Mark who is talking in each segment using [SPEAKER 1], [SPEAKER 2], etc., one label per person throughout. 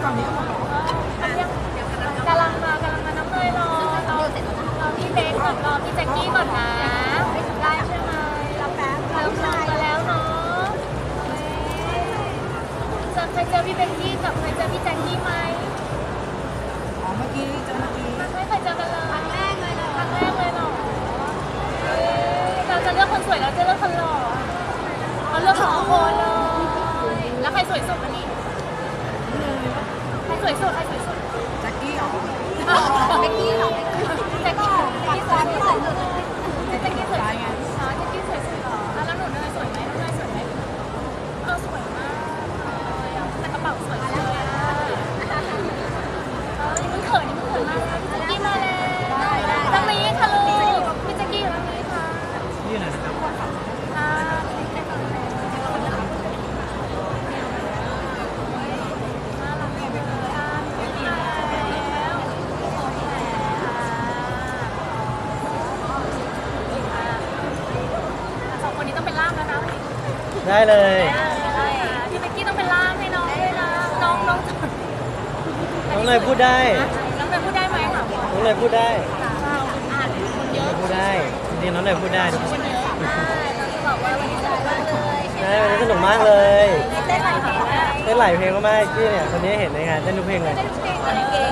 [SPEAKER 1] ฝั่งนี้ก็หมดหรอก
[SPEAKER 2] ำลังมาน้ำเลยรอพี่เบสก่อนรอพี่แจ็คกี้ก่อนนะได้ใช่ไหมเราแป๊บเริ่มลงมาแล้วเนาะเคยเจอพี่เบกกี้กับเคยเจอพี่แจ็คกี้ไหม
[SPEAKER 1] อ๋อเมื่อกี้เจอเมื่อกี้
[SPEAKER 2] ไม่เคยเจอกันเลยครั้งแรกเลยเหรอเราจะเลือกคนสวยเราจะเลือกคนหล่อเราเลือกสองคนเลยแล้วใครสวยสุดวันนี้ใครสวยสุด
[SPEAKER 1] แจ็คกี้เหรอ
[SPEAKER 2] แจ็คกี้เหรอแจ็คกี้สวยสุดแจ็คกี้สวย
[SPEAKER 1] ตายไง
[SPEAKER 2] อ๋อแจ็คกี้สวยสุดเหรอแล้วหนูเนยสวยไหมน้องเนยสวยไหมสวยมากเลยแต่กระเป๋าสวยเลยนี่มึงเขินมากเลยพี่แจ็คกี้มาแล้วตรงนี้ค่ะลูกพี่แจ็คกี้อยู่ตรงนี้ค่ะ
[SPEAKER 1] นี่ไหนนะครับ
[SPEAKER 2] สองคนนี้ต้องเป็นล่ามแล้วนะ
[SPEAKER 3] ได้เลย
[SPEAKER 2] พี่เบกกี้ต้องเป็นล่ามให้น้องด้วยนะน้อง
[SPEAKER 3] น้องเนยพูดได้
[SPEAKER 2] น้องเนยพูดได้ไหมคะ
[SPEAKER 3] น้องเนยพูดได้
[SPEAKER 2] คนเยอะ
[SPEAKER 3] พูดได้จริงๆน้องเนยพูดได้ทุกคน
[SPEAKER 2] คนเยอะเราจะบอกว่าวันนี้สนุกมากเลย
[SPEAKER 3] ใช่วันนี้สนุกมากเลย
[SPEAKER 2] เต้นหลายเพลงแล้ว
[SPEAKER 3] เต้นหลายเพลงมากๆที่เนี่ยคนนี้เห็นในงานเต้นทุกเพลงเลย
[SPEAKER 2] เต้นทุกเพลงเลยเก่ง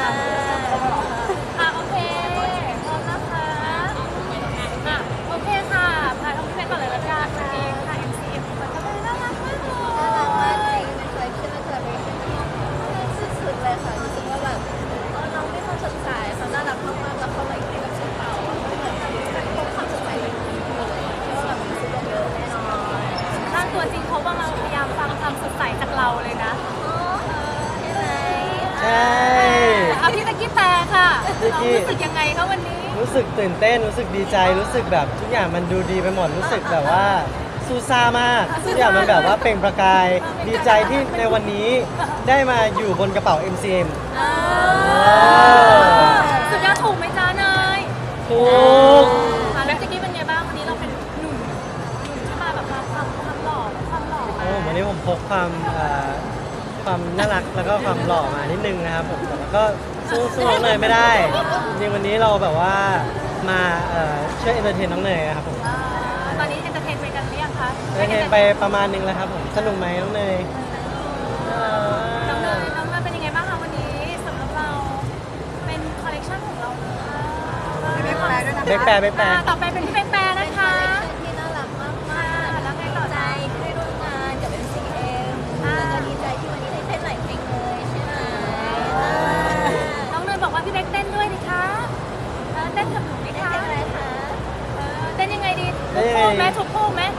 [SPEAKER 2] โอเคพร้อมนะคะโอเคค่ะพาน้องพี่เพชรก่อนเลยละกันเองค่ะ MCM มันก็น่ารักมากเลย
[SPEAKER 4] มันเคยขึ้นมาเคยไปสุดๆเลยค่ะรู้สึกว่าแบบน้องไม่ค่อยสดใสเขาน่ารักมากๆแล้วเขาแบบให้กับฉันเป่าเหมือนแบบพบความสดใสแบบนี้เลยคิดว่าแบบมีซื้อเยอะแน่นอน
[SPEAKER 2] ร่างตัวจริงเขากำลังพยายามฟังความสดใสจากเราเลยนะ
[SPEAKER 4] ใช่ไหม
[SPEAKER 3] ใช่
[SPEAKER 2] พี่ตะกี้แปลค่ะ
[SPEAKER 3] พี่ตะกี้
[SPEAKER 2] รู้สึกยังไงคะวันนี้
[SPEAKER 3] รู้สึกตื่นเต้นรู้สึกดีใจรู้สึกแบบทุกอย่างมันดูดีไปหมดรู้สึกแบบว่าซูซ่ามากทุกอย่างมันแบบว่าเปล่งประกายดีใจที่ในวันนี้ได้มาอยู่บนกระเป๋า MCM
[SPEAKER 2] สุดยอดถูกไหมจ๊ะเนย
[SPEAKER 3] ถูก
[SPEAKER 2] แล้วตะกี้เป็นไงบ้างวันนี้เราเป็นหนุ่มที่มาแบบความหล่อมา
[SPEAKER 3] โอ้วันนี้ผมพกความน่ารักแล้วก็ความหล่อมานิดนึงนะครับผมแต่ว่าก็สู้น้องเนยไม่ได้จริงๆวันนี้เราแบบว่ามาช่วยเอนเตอร์เทนน้องเนยครับผม
[SPEAKER 2] ตอนนี้เอนเตอร์เทนไปกันหรือยังคะ
[SPEAKER 3] เอนเตอร์เทนไปประมาณนึงแล้วครับผมสนุกไหมน้องเนย
[SPEAKER 2] น้องเนยเป็นยังไงบ้างคะวันนี้สำหรับเราเป็นคอลเลคชันของเราเลย
[SPEAKER 1] ไม่ได้แปลด้วยนะ
[SPEAKER 3] เบกแปรเบกแปร
[SPEAKER 2] ต่อไปเป็นพี่เบกแปรนะคะ
[SPEAKER 4] ที่น่ารักมาก
[SPEAKER 2] แล้วไง
[SPEAKER 4] ๆ
[SPEAKER 2] ต่อ
[SPEAKER 4] ใจ
[SPEAKER 2] จ๊ะ
[SPEAKER 4] ที่ได้ร่วมงานกับ MCM แล้วก็ดีใจที่วันนี้ได้เต้นหลายเพลงเลยใช่ไหม
[SPEAKER 2] น้องเนยบอกว่าพี่เบกเต้นด้วยดิคะเต้นกับหนูดิ
[SPEAKER 4] ได้
[SPEAKER 2] คะ
[SPEAKER 4] เพลงอะไรคะ
[SPEAKER 2] เต้นยังไงดีทุกคู่ไหมทุกคู่ไหม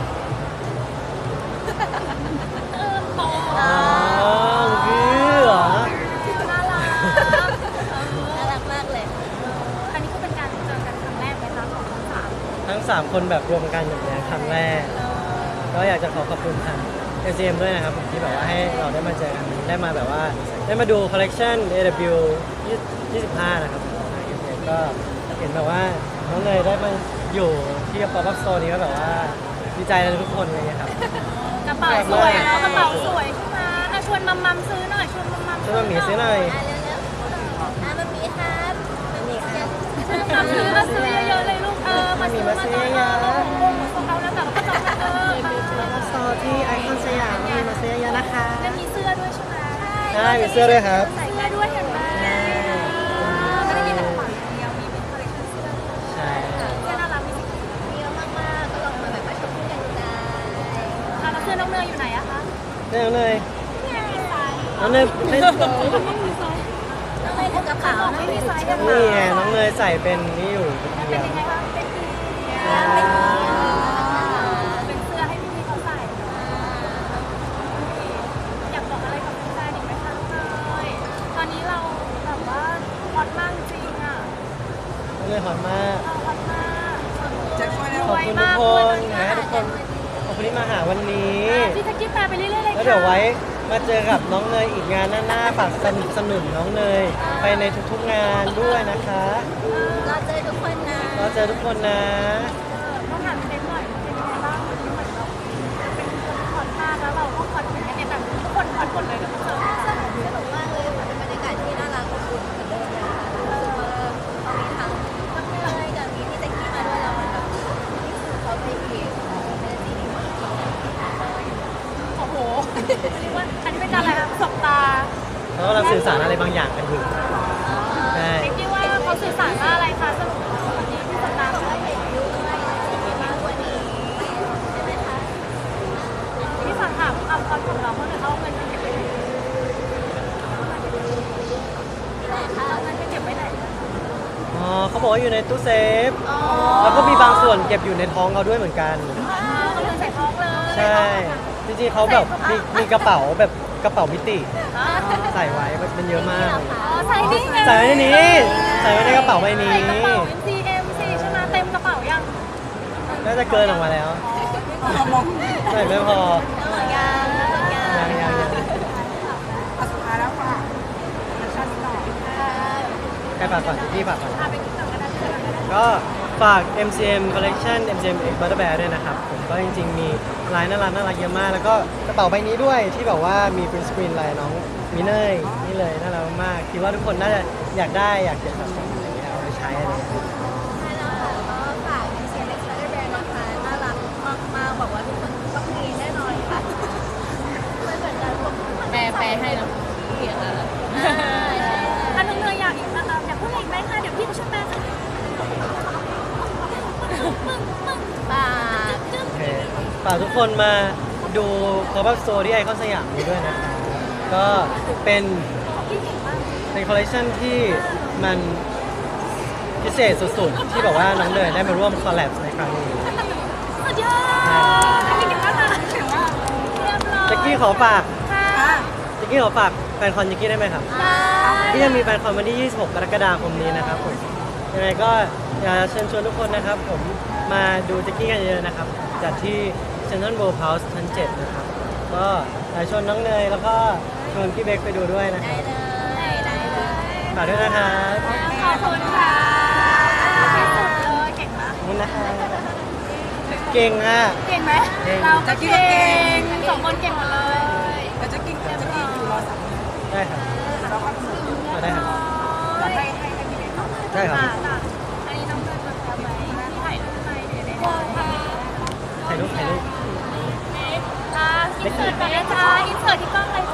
[SPEAKER 2] โอ้
[SPEAKER 3] อ๋อคือเหรอ
[SPEAKER 2] น่ารัก
[SPEAKER 4] น่ารักมากเลย
[SPEAKER 2] อันนี้ก็เป็นการเจอกันครั้งแรกไหมคะของทั้งสาม
[SPEAKER 3] ทั้ง 3 คนแบบรวมกันอย่างนี้ยครั้งแรกก็อยากจะขอบคุณทาง MCM ด้วยนะครับผมที่แบบว่าให้เราได้มาเจอกันได้มาแบบว่าได้มาดูคอลเลกชัน AW 25 นะครับผมทาง MCM ก็เห็นแบบว่าน้องเนยได้มาอยู่ที่ป๊อปอัพโซนนี้ก็แบบว่าดีใจกันทุกคนเลยครับ
[SPEAKER 2] กระเป๋าสวยเนาะกระเป๋าสวยใช่ไหมชวนมัมซื้อหน่อยชวนมัม
[SPEAKER 3] ช่วยมาหมีซื้อหน่อย
[SPEAKER 4] เร็วๆมันมีครับมันมีครับ
[SPEAKER 2] มัมซื้อเยอะๆเลยลูกมาซื้อมาซื้อของเขาแล้วแต่ก็ต้อง
[SPEAKER 3] ซอที่ไอคอนสยามมีมาซื้อเยอะนะคะ
[SPEAKER 2] แล้วมีเสื้อด้วยใช่ไหม
[SPEAKER 3] ใช่มีเสื้อด้วยครับ
[SPEAKER 2] ใส่เสื้อด้วยเห็นไหมไม่ได้มีแต่กระเป๋าอย่างเดียวมีเป็นคอลเลคชั่นเสื้อ
[SPEAKER 3] ใช่
[SPEAKER 2] เสื้อน่ารักมีสี
[SPEAKER 4] มีเยอะมากๆก็ลองมาแบบมาชมกันได้
[SPEAKER 2] แล้วเสื้อน้องเนยอยู่ไหนอะคะ
[SPEAKER 3] น้องเนยน้องเนยไม่
[SPEAKER 4] ต้องไปถึงกระเป๋า
[SPEAKER 2] ไม่มีไซส์กระ
[SPEAKER 3] นี่
[SPEAKER 2] เป๋า
[SPEAKER 3] ไงน้องเนยใส่เป็นนี่อยู่
[SPEAKER 2] เป็นยังไงคะเป็นดีเป็นเสื้อให้พี่เขาใส่อยากบอกอะไรกับแฟนอีกไหมคะน้องเนยตอนนี้เราแบบว่าฮอตมากจริงอะ
[SPEAKER 3] น้องเนยหอมมาก
[SPEAKER 2] เราฮอตมาก
[SPEAKER 1] แจ็คช่วยแล้ว
[SPEAKER 3] ขอบคุณทุกคนนะทุกคนขอบคุณที่มาหาวันนี้
[SPEAKER 2] พี่ตะกี้แปลไปเรื่อยๆเลย
[SPEAKER 3] แล้ว
[SPEAKER 2] ค่ะ
[SPEAKER 3] เดี๋ยวไว้มาเจอกับน้องเนยอีกงานหน้าๆฝากสนับสนุนน้องเนยไปในทุกๆงานด้วยนะคะ
[SPEAKER 4] เราเจอทุกคนนะ
[SPEAKER 3] เราเจอทุกคนนะ
[SPEAKER 2] ต้องถามเด็กหน่อยเป็นยังไงบ้างวันนี้เหมือนเราเป็นคนคอนมากแล้วเราก็คอนเหมือนกันเนี่ยแบบทุกคนคอนหมดเลยกับเจอ
[SPEAKER 4] สนุกมากเลยอีกเป็นซีรีส์
[SPEAKER 2] โอ้โหเรียกว่าอันนี้เป็นการอะไรคะสบตา
[SPEAKER 3] เขากำลังสื่อสารอะไรบางอย่างกันอยู่ใช่
[SPEAKER 2] เอ็กซ์ว่าเขาสื่อสารว่าอะไรคะสรุปวันนี้ที่สบตา
[SPEAKER 4] ก็เห็นด้วยมีมากกว่านี้ใช่ไหมคะ
[SPEAKER 2] ที่ฝากถามความของเราเพื่อนเขาเอาเงินไปเก็บไว้ไหน
[SPEAKER 4] ไหนคะ
[SPEAKER 2] เอาเงินไปเก็บไว้ไหน
[SPEAKER 3] อ๋อเขาบอกว่าอยู่ในตู้เซฟ
[SPEAKER 2] อ๋อ
[SPEAKER 3] แล้วก็มีบางส่วนเก็บอยู่ในท้องเขาด้วยเหมือนกัน
[SPEAKER 2] เขาเลยใส่ท้องเลย
[SPEAKER 3] ใช่ จริงๆเขาแบบมีกระเป๋าแบบกระเป๋ามิติ ใส่ไว้มันเยอะมาก
[SPEAKER 2] ใส่นี่ไง
[SPEAKER 3] ใส่ไว้ในนี้ ใส่ไว้ในกระเป๋าใบนี้
[SPEAKER 2] ใส่กระเป๋า MCM สิใช่ไหมเต็มกระเป๋ายัง
[SPEAKER 3] น่าจะเกินออกมาแล้ว
[SPEAKER 1] มอง
[SPEAKER 3] ใส่ไม่พอ
[SPEAKER 4] ยัง
[SPEAKER 1] สุดท้ายแล้วค่ะรสชาตินิดหน่อย
[SPEAKER 3] ใครฝากก่อนพี่ฝากก่อน
[SPEAKER 2] พาไปกินต่อกันได้เลย
[SPEAKER 3] ก็ฝาก MCM Collection MCM X Butter Bear ด้วยนะครับผมก็จริงๆ มีลายน่ารักเยอะมาก แล้วก็กระเป๋าใบนี้ด้วยที่แบบว่ามี print screen ลายน้องมิเนยนี่เลยน่ารักมากคิดว่าทุกคนน่าจะอยากได้อยากเก็บสะสมอะไรเงี้ยเอาไปใช้อะไรเงี้ย
[SPEAKER 4] ใช่แล้วค่ะก็ฝากเป็นเซียนเล็กซ์แบรนด์นะคะน่ารักมากๆบอกว่าทุกคนต้องมีแน่นอนค่ะไม่เหมือนกันผม
[SPEAKER 2] แปลให้แล้วเขียนอะไรถ้าน้องเนยอยากอีกนะคะอยากพูดอะไรอีกไหมคะเดี๋ยวพี่จะช่วยแปลค่ะ
[SPEAKER 4] ฝาก
[SPEAKER 3] โอเคฝากทุกคนมาดู Pop-up Store ที่ไอคอนสยามนี้ด้วยนะครับก็เป็นคอลเลคชันที่มันพิเศษสุดๆ ที่แบบว่าน้องเนยได้มาร่วมคอลแลบในครั้งนี้
[SPEAKER 2] สุดยอดไม่เก่งมากค่ะเก่งมากเรียบร้อย
[SPEAKER 3] แจ็กกี้ขอฝาก
[SPEAKER 2] ค่ะ
[SPEAKER 3] แจ็กกี้ขอฝากแฟนคอนแจ็กกี้ได้ไหมครับ ที่จะมีแฟนคอนวันที่ 26 กรกฎาคมนี้นะครับผมยังไงก็อยากจะเชิญชวนทุกคนนะครับ ผมมาดูแจ็กกี้กันเยอะๆนะครับ จัดที่ Central World House ชั้น 7 นะครับ ก็อยากชวนน้องเนยแล้วก็ชวนพี่เบคไปดูด้วยนะค
[SPEAKER 4] ได้
[SPEAKER 3] รับ
[SPEAKER 4] เลยได้เลย
[SPEAKER 3] ฝากด้วยนะครับ
[SPEAKER 2] ขอบคุณค่ะที่สุดเลยเก่งมาก
[SPEAKER 3] ขอบคุณนะครับเก่งอ่ะ
[SPEAKER 2] เก่งไหม
[SPEAKER 3] เก่ง
[SPEAKER 2] เราก็เก่งสองคนเก่งหมดเลย
[SPEAKER 1] แต่จะกินอยู่รอสั่ง
[SPEAKER 3] ได้ครับ
[SPEAKER 1] เราก็
[SPEAKER 3] ได้ครับ
[SPEAKER 1] ให้พี่เล็กก่อน
[SPEAKER 3] ได้ครับ
[SPEAKER 2] อันนี้น้องเนยจะทำไหมที่ถ่ายรูปไปเดี๋ยวได้
[SPEAKER 3] ถ่ายรูป
[SPEAKER 2] อินเสิร์ตก่อนนะจ๊ะอินเสิร์ตที่กล้องเลย